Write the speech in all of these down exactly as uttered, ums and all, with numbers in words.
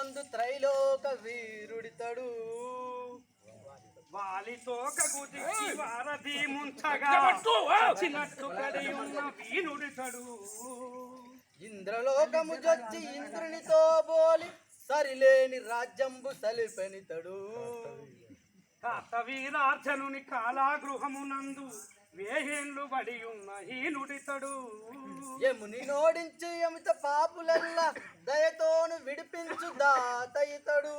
బంధు త్రైలోక వీరుడితడు వాలితోక గుదికి వారధి ముంచగా చిన్నట్టు కడి ఉన్న వీనుడితడు ఇంద్రలోకము జొచ్చి ఇంద్రునితో బోలి సరిలేని రాజ్యంబు సలిపెనితడు కాతవీరార్జనుని కాలాగృహమునందు వేహేండ్లు బడి ఉన్న హీనుడితడు యముని నోడించి యమిత పాపులెల్ల దయతోను విడిపించు దాత ఇతడు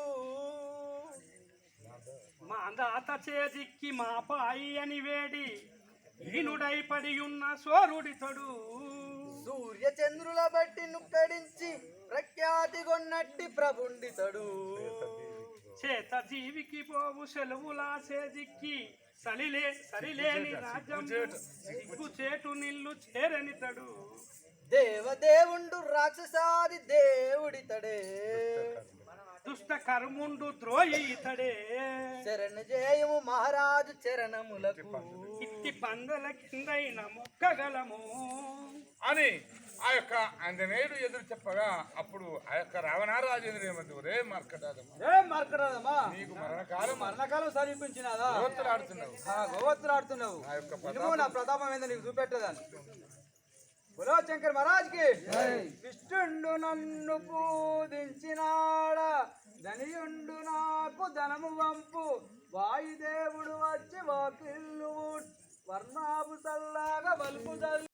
మా దాత చేజిక్కి మా పాయి అని వేడి హీనుడై పడి ఉన్న సోరుడితడు సూర్య చంద్రుల బట్టి నుక్కడించి ప్రఖ్యాతి కొన్నట్టి ప్రభుండితడు చేత జీవికి పోవు సెలవులా చేజిక్కి సలిలే సరిలేని రాజ్యం సిగ్గు చేటు నిల్లు చేరనితడు దేవదేవుండు రాక్షసాది దేవుడితడే దుష్ట కర్ముండు ద్రోహి ఇతడే చరణ జయము మహారాజు చరణములకు ఇట్టి పందల కిందైన మొక్కగలము అని ఆ యొక్క ఆంజనేయుడు ఎదురు చెప్పగా అప్పుడు ఆ యొక్క రావణారాజు ఎదురేమంది రే మార్కటాదమ్మా మార్కరాదమ్మా నీకు మరణకాలం మరణకాలం సమీపించినదా గోవత్తులాడుతున్నావు గోవత్తులాడుతున్నావు ఆ యొక్క నువ్వు నా ప్రతాపం ఏందో నీకు చూపెట్టదాన్ని బులో శంకర్ మహారాజ్కి విష్ణుండు నన్ను పూజించినాడా ధనియుండు నాకు ధనము వంపు వాయుదేవుడు వచ్చి వాకిల్లు వర్ణాపు చల్లాగా వలుపు